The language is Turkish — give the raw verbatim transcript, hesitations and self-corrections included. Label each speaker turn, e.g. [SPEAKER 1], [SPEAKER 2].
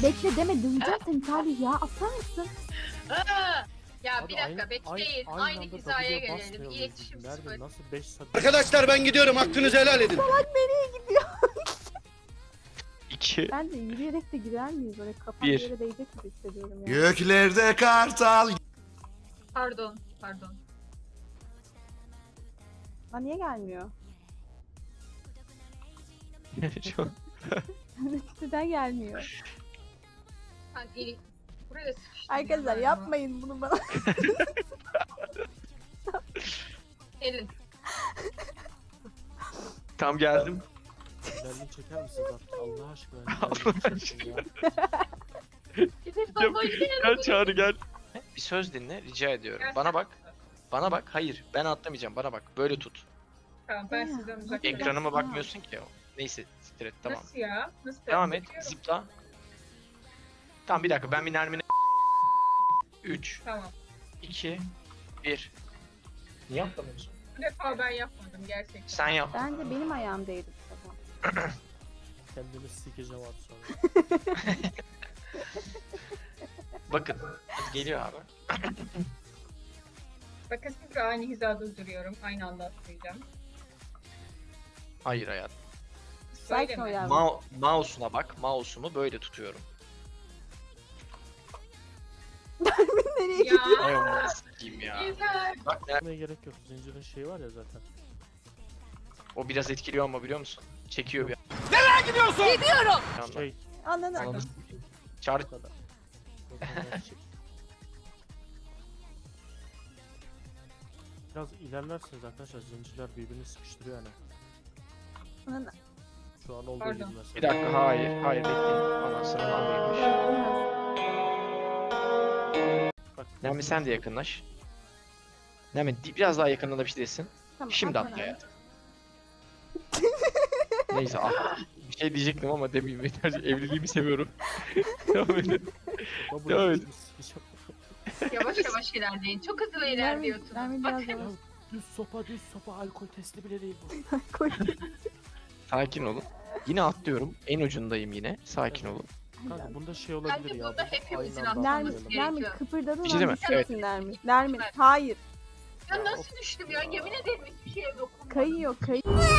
[SPEAKER 1] bekle deme döveceğim seni Salih ya. Aslan mısın?
[SPEAKER 2] Aa! Ya
[SPEAKER 3] Abi
[SPEAKER 2] bir dakika
[SPEAKER 3] aynı-
[SPEAKER 2] bekleyin.
[SPEAKER 3] aynı
[SPEAKER 2] Aynı,
[SPEAKER 3] anda
[SPEAKER 2] hizaya
[SPEAKER 3] W'ye
[SPEAKER 2] gelelim.
[SPEAKER 3] basmayalım
[SPEAKER 2] İletişim
[SPEAKER 3] dedim. Nermin
[SPEAKER 2] sıfır.
[SPEAKER 3] nasıl beş saat...
[SPEAKER 4] Arkadaşlar ben gidiyorum. Hakkınızı helal edin.
[SPEAKER 1] Salak nereye gidiyor?
[SPEAKER 5] İki.
[SPEAKER 1] Ben de yürüyerek de girer miyiz? Böyle kafam
[SPEAKER 5] Bir.
[SPEAKER 1] yere değecek gibi hissediyorum ya.
[SPEAKER 4] Göklerde kartal.
[SPEAKER 2] Pardon, pardon.
[SPEAKER 1] Aa, niye gelmiyor?
[SPEAKER 5] Çok-
[SPEAKER 1] Neden gelmiyor?
[SPEAKER 2] Ben il... Buraya sıkıştım.
[SPEAKER 1] Arkadaşlar
[SPEAKER 2] ya.
[SPEAKER 1] yapmayın bunu bana.
[SPEAKER 2] Elin.
[SPEAKER 5] Tam geldim.
[SPEAKER 3] Berlin çeker misiniz artık Allah aşkına?
[SPEAKER 5] Allah
[SPEAKER 3] Berlin çekin ya.
[SPEAKER 2] Gidip baba gidelim.
[SPEAKER 5] Gel Çağrı gel. Bir söz dinle rica ediyorum.
[SPEAKER 2] Gel
[SPEAKER 5] Bana
[SPEAKER 2] sen.
[SPEAKER 5] bak. Bana bak. Hayır ben atlamayacağım. Bana bak. Böyle tut.
[SPEAKER 2] Tamam ben sizden uzak durayım.
[SPEAKER 5] Ekranıma bakmıyorsun ki. Neyse siktir et tamam.
[SPEAKER 2] Nasıl ya? Nasıl?
[SPEAKER 5] Devam et.
[SPEAKER 2] Bakıyorum.
[SPEAKER 5] Zıpla. Tamam bir dakika ben bir Nermin'e... üç,
[SPEAKER 2] Tamam.
[SPEAKER 5] iki, bir. Niye atlamıyorsun?
[SPEAKER 2] Bu defa ben yapmadım gerçekten.
[SPEAKER 5] Sen yap.
[SPEAKER 1] Bence benim ayağım değdi bu sefer.
[SPEAKER 3] Kendimi sikeceğim abi sonra.
[SPEAKER 5] Bakın. Hadi geliyor abi.
[SPEAKER 2] Bakın siz aynı hizada duruyorum. Aynı anda atlayacağım.
[SPEAKER 5] Hayır hayat.
[SPEAKER 1] Sakin ol
[SPEAKER 2] Söyleme.
[SPEAKER 1] yavrum.
[SPEAKER 5] Ma mouse'una bak. Mouse'umu böyle tutuyorum.
[SPEAKER 1] Nereye
[SPEAKER 2] Ya.
[SPEAKER 1] gidiyor?
[SPEAKER 5] Ay onu sikeyim ya.
[SPEAKER 2] Yeter.
[SPEAKER 5] Bak Ner-
[SPEAKER 3] Ne gerek yok. Zincirin şeyi var ya zaten.
[SPEAKER 5] o biraz etkiliyor ama biliyor musun? Çekiyor bir anda.
[SPEAKER 3] Şey
[SPEAKER 1] Ananı.
[SPEAKER 5] Ananı sikeyim. Çağrı
[SPEAKER 3] bu kadar. Bu kadar şey. Biraz ilerlerseniz arkadaşlar zincirler birbirini sıkıştırıyor yani.
[SPEAKER 1] Ananı.
[SPEAKER 3] Şu an olduğu
[SPEAKER 2] Pardon.
[SPEAKER 3] gibi mesela.
[SPEAKER 5] bir dakika hayır hayır bekleyin. Anasının amıymış.
[SPEAKER 3] Bak,
[SPEAKER 5] Nermin sen de yakınlaş. Nermin di- biraz daha yakınlaşabilirsin.
[SPEAKER 1] Tamam,
[SPEAKER 5] Şimdi
[SPEAKER 1] atla.
[SPEAKER 5] atla hayatım. Neyse at. Bir şey diyecektim ama demeyeyim yeter. Evliliğimi seviyorum. Devam edin.
[SPEAKER 3] Baba,
[SPEAKER 5] Devam
[SPEAKER 3] bu
[SPEAKER 5] edin.
[SPEAKER 3] sikeceğim.
[SPEAKER 2] Yavaş yavaş ilerleyin. Çok hızlı
[SPEAKER 1] Nermin,
[SPEAKER 2] ilerliyorsunuz.
[SPEAKER 1] Nermin biraz
[SPEAKER 2] Bakın.
[SPEAKER 1] yavaş.
[SPEAKER 3] Düz sopa düz sopa alkol testi bile değil bu.
[SPEAKER 1] Koy.
[SPEAKER 5] Sakin olun. Yine atlıyorum. En ucundayım yine. Sakin olun.
[SPEAKER 3] Kanka bunda şey olabilir
[SPEAKER 2] Bence
[SPEAKER 3] ya.
[SPEAKER 2] burada
[SPEAKER 3] biz
[SPEAKER 2] hepimizin
[SPEAKER 3] aynı anda
[SPEAKER 1] Nermin,
[SPEAKER 2] atlaması
[SPEAKER 3] atlayalım.
[SPEAKER 1] Nermin
[SPEAKER 2] gerekiyor.
[SPEAKER 1] kıpırdadın
[SPEAKER 5] Bir şey değil
[SPEAKER 1] an
[SPEAKER 5] mi?
[SPEAKER 1] düşeceksin Nermin. Nermin hayır.
[SPEAKER 2] Ya nasıl düştüm ya? Yemin ederim hiçbir şeye dokunmadım.
[SPEAKER 1] Kayıyor kayıyor.